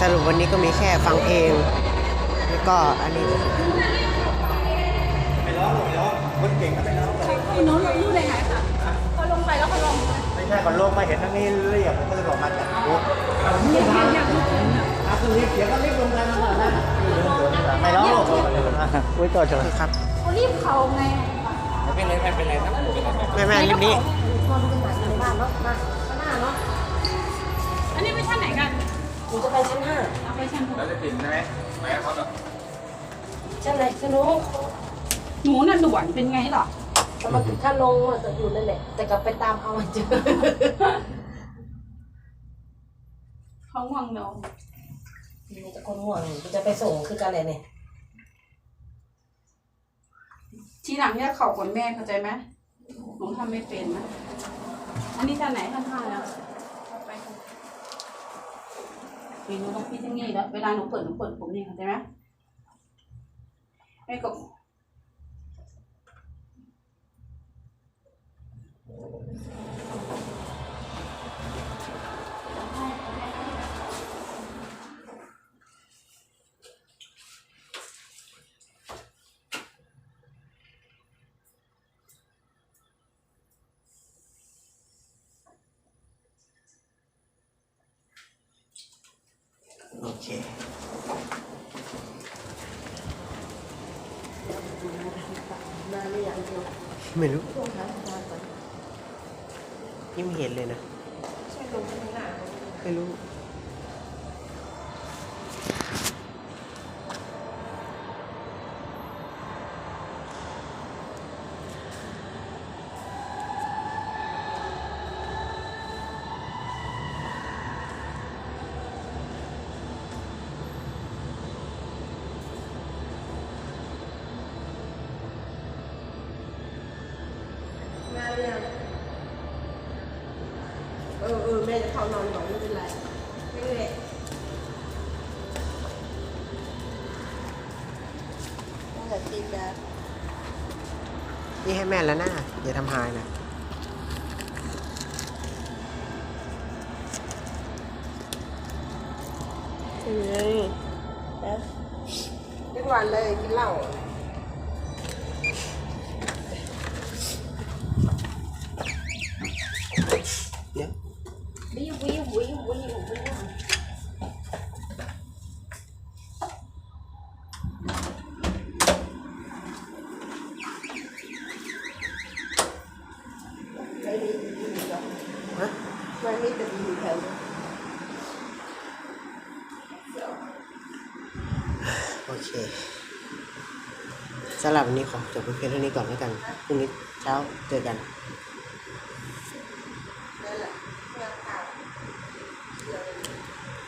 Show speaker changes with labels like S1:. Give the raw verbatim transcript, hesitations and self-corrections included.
S1: รุปวันนี้ก็มีแค่ฟังเพลงแล้วก็อันนี้
S2: ไม่ร้องหรอกไม่ร้องคนเก่งก็ไม่ร้องเลย
S3: พี่น้องรู้ได้ไงคะเขาลงไปแล้วเขาลง
S2: ไม่ใช่ก่อนลงมาเห็นทั้งนี้เรียกผมก็เลยบอกมาจากรถ
S3: เรียกเรียกเรียกลูกผมเนี่ย
S2: อาคือเสียงก็รีบลงกันมาแล้วไม่ร้องหรอกอุ้ยตัวเฉย
S1: ครับ
S3: เขารีบเขาไง
S2: ไม่เป็นไรไม่เป็นไรครับ
S1: แม่แม่รีบนี้
S3: อันนี้ไปชั้นไหนกัน
S4: หนูจะไปชั้นห้า
S3: เอาไปชั้นหก
S2: แล้วจะติดใช่ไหมไหมเขาแบบ
S4: ชั้นไหนชั้นนู้น
S3: หนูน่ะด่วนเป็นไงหรอ
S4: แต่มาถึงขั้นลงจะอยู่นั่นแหละ แต่กลับไปตามเอามาเจอ
S3: เขาง่วงนอน
S4: มีแต่คนห่วงจะไปส่งคือกันเลยเนี่ย
S3: ทีหลังเนี่ยเขาก่อนแม่เข้าใจไหมหนูทำไม่เป็นนะอันนี้ชั้นไหนชั้นห้าแล้วไปหนูต้องพี่ที่นี่แล้วเวลาหนูเปิดหนูเปิดผมนี่เข้าใจไหมแม่ก็
S1: โอเคไม่รู้ยังไม่เห็นเลยนะไม่รู้
S4: เออเออแม่จะเข้านอนก่อนไม่เป็นไรไม่เป็นไรตั้งแต่ตีกัน
S1: นี่ให้แม่แล้วนะอย่าทำหายนะ
S4: เฮ้ยแล้วทุกวันเลยกินเหล้า
S1: เนี่ย
S4: วิววิววิววิววิวไม่มีดีหรอก
S1: ฮะ
S4: ไม่มีแต่ดีแถว
S1: โอเคสำหรับวันนี้ขอจบเพียงเท่านี้ก่อนแล้วกันพรุ่งนี้เช้าเจอกัน